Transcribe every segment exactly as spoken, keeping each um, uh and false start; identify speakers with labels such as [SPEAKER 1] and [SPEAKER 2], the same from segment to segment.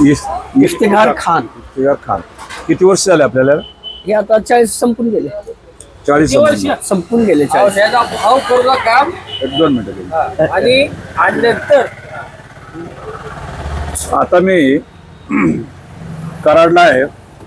[SPEAKER 1] इफ्तिखार खान.
[SPEAKER 2] इफ्तिखार खान. किती वर्ष झाले आपल्याला?
[SPEAKER 1] हे आता चाळीस संपून गेले.
[SPEAKER 2] चाळीस
[SPEAKER 1] संपून गेले चाळीस.
[SPEAKER 3] भाव करू काम
[SPEAKER 2] एक दोन मिनिटं.
[SPEAKER 3] आणि नंतर
[SPEAKER 2] आता मी कराडला आहे,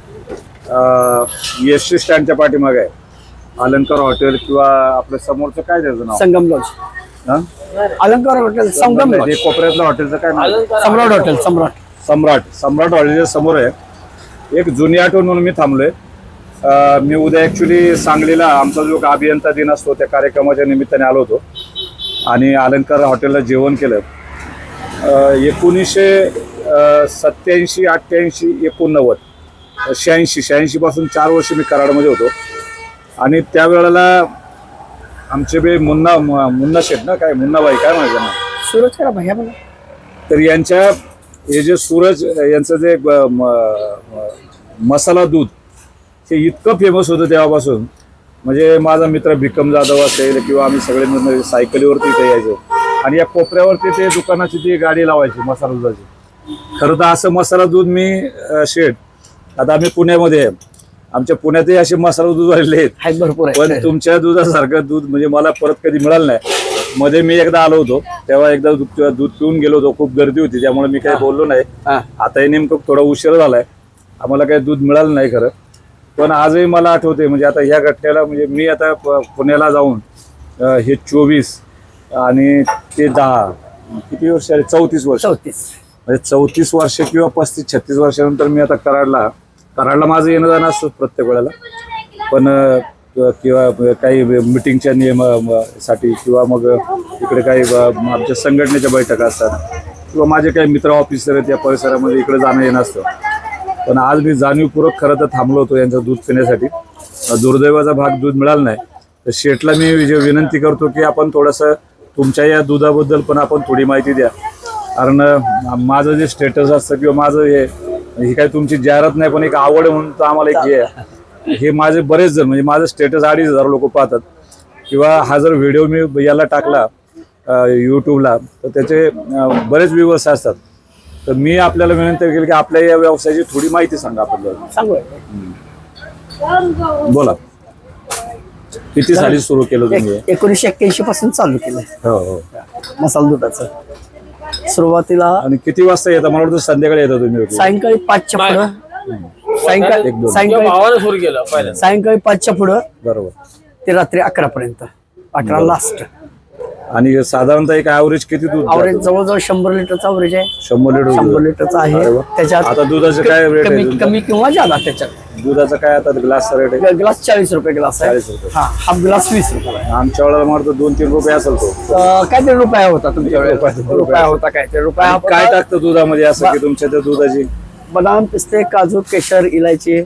[SPEAKER 2] एस टी स्टँडच्या पाठीमागे आहे. अलंकार हॉटेल किंवा आपल्या समोरचं काय त्याचं नाव?
[SPEAKER 1] संगम लॉज.
[SPEAKER 2] हा?
[SPEAKER 1] अलंकार हॉटेल संगम लॉज.
[SPEAKER 2] कोपऱ्यातलं हॉटेलचं काय नाव?
[SPEAKER 1] सम्राट हॉटेल. सम्राट
[SPEAKER 2] सम्राट सम्राट हॉटेलच्या समोर आहे. एक जुनी आठवण म्हणून मी थांबलोय. मी उद्या ॲक्च्युली सांगलीला आमचा जो अभियंता दिन असतो त्या कार्यक्रमाच्या निमित्ताने आलो होतो आणि अलंकार हॉटेलला जेवण केलं. एकोणीसशे सत्याऐंशी अठ्ठ्याऐंशी एकोणनव्वद शहाऐंशी शहाऐंशी पासून चार वर्ष मी कराडमध्ये होतो आणि त्यावेळेला आमचे बे मुन्ना मुन्ना शेठ ना काय मुन्नाबाई काय म्हणायचं ना
[SPEAKER 1] सूरज करा भैया मला.
[SPEAKER 2] तर यांच्या हे जे सूरज यांचं जे मसाला दूध हे इतकं फेमस होतं तेव्हापासून. म्हणजे माझा मित्र भिकम जाधव असेल किंवा आम्ही सगळे मिळून सायकलीवरती इथे यायचो आणि या कोपऱ्यावरती ते दुकानाची ती गाडी लावायची मसाला दुधाची. खरं तर असं मसाला दूध मी शेठ आता आम्ही पुण्यामध्ये आहे, आमच्या पुण्यातही असे मसाला दूध आलेले आहेत
[SPEAKER 1] भरपूर,
[SPEAKER 2] पण तुमच्या दुधासारखं दूध म्हणजे मला परत कधी मिळालं नाही. मध्ये मी एकदा आलो होतो तेव्हा एकदा दूध पिऊन गेलो होतो, खूप गर्दी होती त्यामुळे मी काही बोललो नाही. आताही नेमकं थोडा उशीर झालाय, आम्हाला काही दूध मिळालं नाही खरं. पण आजही मला आठवते म्हणजे आता ह्या घटनेला म्हणजे मी आता पुण्याला जाऊन हे चोवीस आणि ते दहा किती वर्ष आले चौतीस वर्ष
[SPEAKER 1] चौतीस
[SPEAKER 2] म्हणजे चौतीस वर्ष किंवा पस्तीस छत्तीस वर्षानंतर मी आता कराडला कराडला माझं येणं जाणं असतं प्रत्येक वेळेला. पण किंवा काही मिटिंगच्या नियमासाठी किंवा मग इकडे काही आमच्या संघटनेच्या बैठका असतात किंवा माझे काही मित्र ऑफिसर आहेत या परिसरामध्ये इकडे जाणं येणं असतं. पण आज मी जाणीवपूर्वक खरं तर थांबलो होतो यांचं दूध पिण्यासाठी. दुर्दैवाचा भाग दूध मिळाला नाही. तर शेठला मी विनंती करतो की आपण थोडंसं तुमच्या या दुधाबद्दल पण आपण थोडी माहिती द्या. कारण माझं जे स्टेटस असतं किंवा माझं हे ही काही तुमची जाहिरात नाही पण एक आवड म्हणून तर आम्हाला एक हे आहे. हे माझे बरेच जण म्हणजे माझं स्टेटस अडीच हजार लोक पाहतात किंवा हा जर व्हिडिओ मी याला टाकला यूट्यूबला तर त्याचे बरेच व्ह्यूअर्स असतात. तर मी आपल्याला विनंती केली की आपल्या या व्यवसायाची थोडी माहिती सांगा आपल्याला.
[SPEAKER 1] सांगू.
[SPEAKER 2] बोला. किती साली सुरू केलं तुम्ही?
[SPEAKER 1] एकोणीसशे एक्क्याऐंशी पासून चालू केलं.
[SPEAKER 2] हो हो
[SPEAKER 1] मसाला दुधाचं सुरुवातीला.
[SPEAKER 2] आणि किती वाजता येतं? मला वाटतं संध्याकाळी येतं तुम्ही.
[SPEAKER 1] सायंकाळी पाचच्या पुढं सायंकाळी सायंकाळी
[SPEAKER 3] सुरू केलं पहिलं
[SPEAKER 1] सायंकाळी पाचच्या पुढं
[SPEAKER 2] बरोबर
[SPEAKER 1] ते रात्री अकरा पर्यंत अकरा लास्ट.
[SPEAKER 2] आणि साधारणतः एक ॲव्हरेज किती दूध?
[SPEAKER 1] ॲव्हरेज जवळजवळ शंभर लिटरचा ॲव्हरेज आहे.
[SPEAKER 2] शंभर लिटर
[SPEAKER 1] शंभर लिटरचा आहे. त्याच्यात
[SPEAKER 2] आता दुधाचं काय रेट
[SPEAKER 1] कमी
[SPEAKER 2] आहे?
[SPEAKER 1] कमी किंवा जादा त्याच्यात.
[SPEAKER 2] दुधाचं काय आता ग्लासचा रेट आहे?
[SPEAKER 1] ग्लास चाळीस रुपये ग्लास आहे.
[SPEAKER 2] चाळीस रुपये.
[SPEAKER 1] हा हाफ ग्लास वीस रुपये.
[SPEAKER 2] आमच्या वेळेला मला दोन तीन रुपये असेल तो.
[SPEAKER 1] काय ते रुपया होता तुमच्या वेळेस? रुपया होता काय ते रुपया.
[SPEAKER 2] काय टाकतं दुधामध्ये असं की तुमच्या त्या दुधाची?
[SPEAKER 1] बदाम पिस्ते काजू केशर इलायची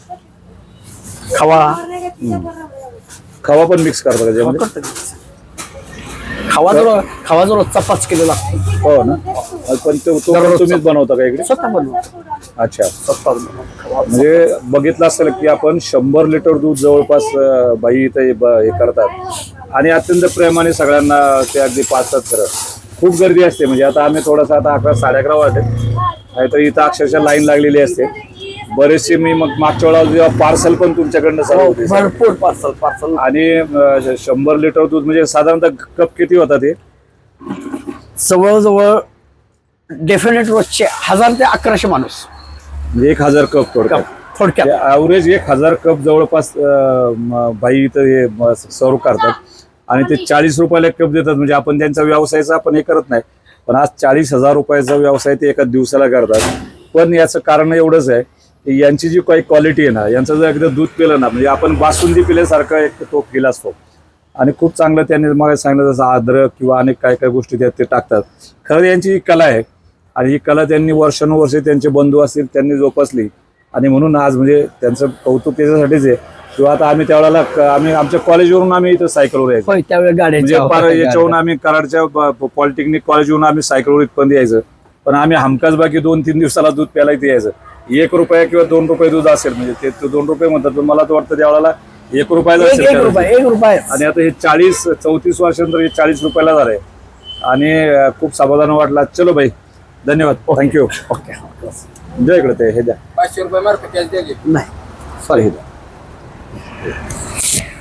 [SPEAKER 1] खवा
[SPEAKER 2] खवा पण मिक्स करता का त्यामध्ये?
[SPEAKER 1] खवा जर खवा जर रोजचा पाच किलो लागतो.
[SPEAKER 2] हो ना. पण तो तुम्हीच बनवता का इकडे?
[SPEAKER 1] स्वतः बनवतो.
[SPEAKER 2] अच्छा.
[SPEAKER 1] स्वतः बनवतो.
[SPEAKER 2] म्हणजे बघितलं असेल की आपण शंभर लिटर दूध जवळपास बाई इथे हे करतात आणि अत्यंत प्रेमाने सगळ्यांना ते अगदी पाचतात. खरं खूप गर्दी असते. म्हणजे आता आम्ही थोडासा आता अकरा साडे अकरा वाजते नाहीतर इथं अक्षरशः लाईन लागलेली असते. बरेचसे मी मग मागच्या वेळेला जेव्हा पार्सल पण तुमच्याकडनं चालू होते
[SPEAKER 1] भरपूर पार्सल पार्सल
[SPEAKER 2] आणि शंभर लिटर दूध म्हणजे साधारणतः कप किती होता ते?
[SPEAKER 1] जवळजवळ डेफिनेट रोजचे हजार ते अकराशे माणूस
[SPEAKER 2] म्हणजे एक हजार कप थोडक्यात
[SPEAKER 1] थोडक्यात
[SPEAKER 2] ॲव्हरेज एक हजार कप जवळपास बाई इथं हे सर्व करतात आणि ते चाळीस रुपयाला एक कप देतात. म्हणजे आपण त्यांचा व्यवसायाचा आपण हे करत नाही पण आज चाळीस हजार रुपयाचा व्यवसाय ते एका दिवसाला करतात. पण याचं कारण एवढंच आहे की यांची जी काही क्वालिटी आहे ना, यांचं जर एकदा दूध पिलं ना म्हणजे आपण बासुंदी पिल्यासारखं एक तो फील असतो. आणि खूप चांगलं त्यांनी मग सांगितलं जसं अद्रक किंवा अनेक काय काय गोष्टी त्यात ते टाकतात. खरं यांची ही कला आहे आणि ही कला त्यांनी वर्षानुवर्षे त्यांचे बंधू असतील त्यांनी जोपासली आणि म्हणून आज म्हणजे त्यांचं कौतुक त्याच्यासाठीच आहे. किंवा आता आम्ही त्यावेळेला आम्ही आमच्या कॉलेजवरून आम्ही इथं सायकलवर यायचो. म्हणजे फार याच्यावरून आम्ही कराडच्या पॉलिटेक्निक कॉलेजवरून आम्ही सायकलवर इथपर्यंत यायचं. पण आम्ही हमखास बाकी दोन तीन दिवसाला दूध प्यायला इथे यायचं. एक रुपया किंवा दोन रुपये दूध असेल म्हणजे ते दोन रुपये म्हणतात पण मला तर वाटतं त्यावेळेला एक रुपयाला असेल. आणि आता हे चाळीस चौतीस वर्षानंतर हे चाळीस रुपयाला झालंय आणि खूप समाधान वाटला. चलो भाई धन्यवाद थँक्यू
[SPEAKER 1] ओके
[SPEAKER 2] जय इकडे ते हे द्या
[SPEAKER 3] पाचशे रुपये मार्फत कॅश द्यायचे
[SPEAKER 1] नाही सॉरी